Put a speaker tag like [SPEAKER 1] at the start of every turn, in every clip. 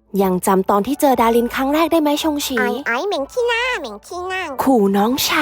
[SPEAKER 1] ยังจำตอนที่เจอดารินครั้งแรกได้ไหมชงฉี
[SPEAKER 2] ไอ้เหม็นขี้หน้า
[SPEAKER 1] ขู่น้องฉ่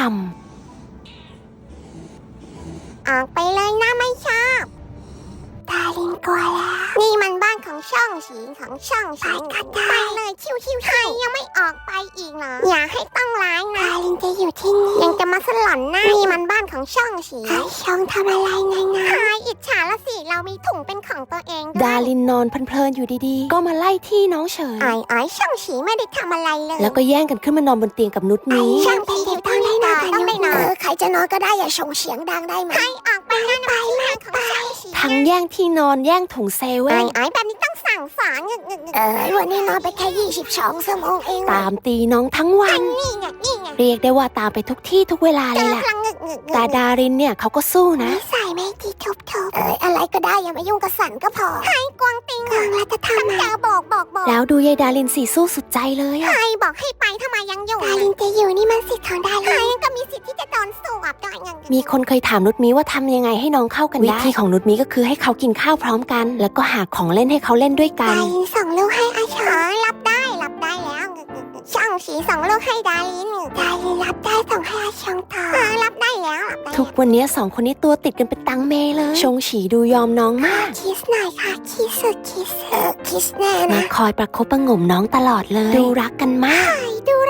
[SPEAKER 2] ออกไปเลยนะไม่ชอบดารินกลัวแล้วนี่มันบ้านของช่องสีไปเลยชิวๆใครยังไม่ออกไปอีกเหรออย่าให้ต้องร้ายนะดารินจะอยู่ที่นี่ยังจะมาสลอนหน้านี่มันบ้านของช่องสีช่องทำอะไรไงใครอิจฉาละสิเรามีถุงเป็นของตัวเอง
[SPEAKER 1] ำดารินนอนเพลินๆอยู่ดีๆก็มาไล่ที่น้องเฉย
[SPEAKER 2] ไอ้ช่องสีไม่ได้ทำอะไรเลย
[SPEAKER 1] แล้วก็แย่งกันขึ้นมานอนบนเตียงกับนุชนี้
[SPEAKER 2] ช่างเป็นเด็กต้องได้นอนใครจะนอนก็ได้อย่าส่งเสียงดังได้ไหมใครออกไปนะไปไม่ไป
[SPEAKER 1] ทั้งแย่งที่นอนแย่งถุงเซเว่น
[SPEAKER 2] ไอ้แบบนี้ต้องสั่งสอนวันนี้นอนไปแค่22 ชั่วโมงเอง
[SPEAKER 1] ตามตีน้องทั้งวัน
[SPEAKER 2] นี่ไง
[SPEAKER 1] เรียกได้ว่าตามไปทุกที่ทุกเวลาเลยแหละแต่ดารินเนี่ยเขาก็สู้นะ
[SPEAKER 2] ใส่ไม่ที่ทุบอะไรก็ได้อย่ามายุ่งกับสันก็พอให้กวางติงกวางรัตธรรมบอก
[SPEAKER 1] แล้วดูยายดารินสีสู้สุดใจเลย
[SPEAKER 2] ใครบอกให้ไปทำไมยังอยู่ดารินจะอยู่นี่มันสิทธิ์ของดารินใครก็มีสิทธิ์ที่จะโดนสวบได้
[SPEAKER 1] มีคนเคยถามนุชมีว่าทำยังไงให้น้องเข้ากันได้วิธีของนุชมีก็คือให้เขากินข้าวพร้อมกันแล้วก็หาของเล่นให้เขาเล่นด้วยกัน
[SPEAKER 2] ดารินส่งลูกให้อาชารับได้แล้วช่างสีส่งลูกให้ดารินรับได้ส่งให้อาชงต่อรับได้แล้ว
[SPEAKER 1] ทุกวันนี้สองคนนี้ตัวติดกันเป็นตังเมเลยชงฉีดูยอมน้องมาก
[SPEAKER 2] คิสหน่อยค่ะคิสแน่นะ
[SPEAKER 1] คอยประคบประหงมน้องตลอดเลยดูรักกันมาก
[SPEAKER 2] เลย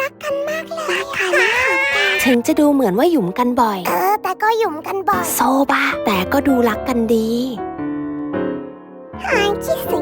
[SPEAKER 1] ถึงจะดูเหมือนว่าหยุมกันบ่อย
[SPEAKER 2] แต่ก็หยุมกันบ่อย
[SPEAKER 1] โซบ้าแต่ก็ดูรักกันดี
[SPEAKER 2] คิส